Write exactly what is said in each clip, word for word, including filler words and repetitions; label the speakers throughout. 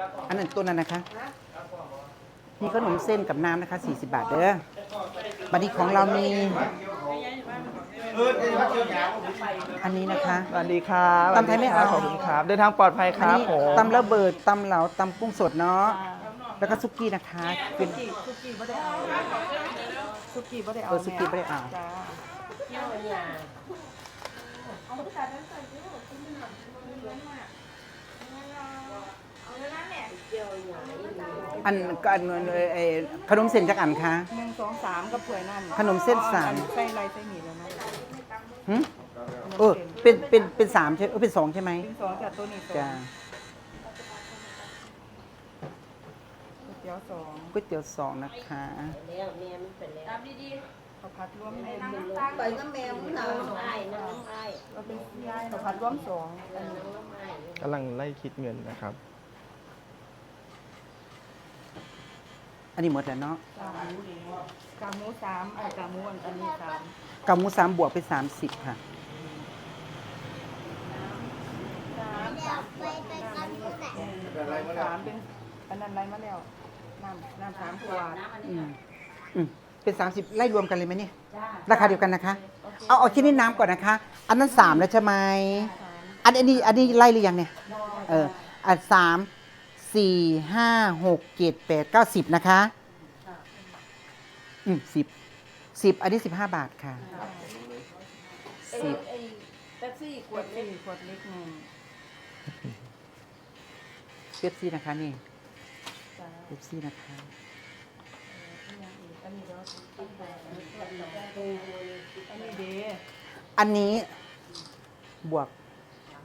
Speaker 1: อันนั้นตัวนั้นนะคะมีขนมเส้นกับน้ำนะคะสี่สิบบาทเด้อบัดนี้ของเรามีอันนี้นะคะ
Speaker 2: สวัสดีครับ
Speaker 1: ตำไทยไม่เอา
Speaker 2: ขอบคุณครับเดินทางปลอดภัยค
Speaker 1: อัน
Speaker 2: รับ
Speaker 1: นี้
Speaker 2: ผม
Speaker 1: ตำระเบิดตำเหลาตำกุ้งสดเนาะแล้วก็ซุกี้นะคะเป็น
Speaker 3: สุกี้ไม่ได้เอาสุกี้ไม่ได้เอา
Speaker 1: เออซุกี้ไม่ได้เอา
Speaker 3: จ้า
Speaker 1: อันก็อันเอ่อขนมเส้นจักอันคะ
Speaker 3: หนึ่งสองสามกับถ้วยนั่น
Speaker 1: ขนมเส้นสาม
Speaker 3: ใส่ไรใส่หมี่แล้วนะ
Speaker 1: หึเออเป็นเป็นเป็นสามใช่เออเป็นสองใช่ไหม
Speaker 3: เป็นสองจากตัวนี้สอง
Speaker 1: จ้า
Speaker 3: ก๋วยเตี๋ยวสอง
Speaker 1: ก๋วยเตี๋ยวสองนะคะ
Speaker 4: แล้วแม่มันเป็นแล้ว
Speaker 3: ข้าวผัดรวมแม่
Speaker 4: ไปน้ำแมวน้ำไอ้น้ำไอ้
Speaker 3: ก็เป็นข้าวผัดรวมสองอันนี้
Speaker 4: น้ำไอ้
Speaker 2: กำลังไล่คิดเงินนะครับ
Speaker 1: อันนี้หมดแล้วเนาะ
Speaker 3: สามกากหมูสามไอ้กากหมูอันอันนี้สาม
Speaker 1: กับหมูสามบวกเป็นสามสิบค่ะ
Speaker 3: สามสามขวดน้ำอันนี้สามเป็นอันนั้นไรมาแล้วน้ำน้ำสามขวด
Speaker 1: อืมอืมเป็นสามสิบไล่รวมกันเลยไหมเนี่ยราคาเดียวกันนะคะ เอาเอาชิ้นนี้น้ำก่อนนะคะ อันนั้นสามแล้วใช่ไหมอันอันนี้อันนี้ไล่หรือยังเนี่ยเอออันสามสี่ห้าหกเจ็ดแปดเก้าสิบนะคะอืมสิบสิบอันนี้สิบห้าบาทค่ะสิบ
Speaker 4: เป๊ปซี่ข
Speaker 3: ข
Speaker 4: ว
Speaker 3: ว
Speaker 4: ด
Speaker 3: ด
Speaker 4: เล็
Speaker 3: สี่
Speaker 4: ก
Speaker 3: ขวดเล็กหนึ่ง
Speaker 1: เป๊ปซี่นะคะนี่
Speaker 3: จ้า
Speaker 1: เป๊ปซี่นะคะ
Speaker 3: อันนี้เนาะอันนี้เด้
Speaker 1: อันนี้บวก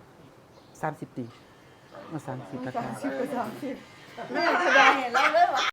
Speaker 1: สามสิบตีมาสามสิบนะคะ
Speaker 3: สามสิบกับสามสิบ
Speaker 4: แม่ก็ได้แล้วเลยวะ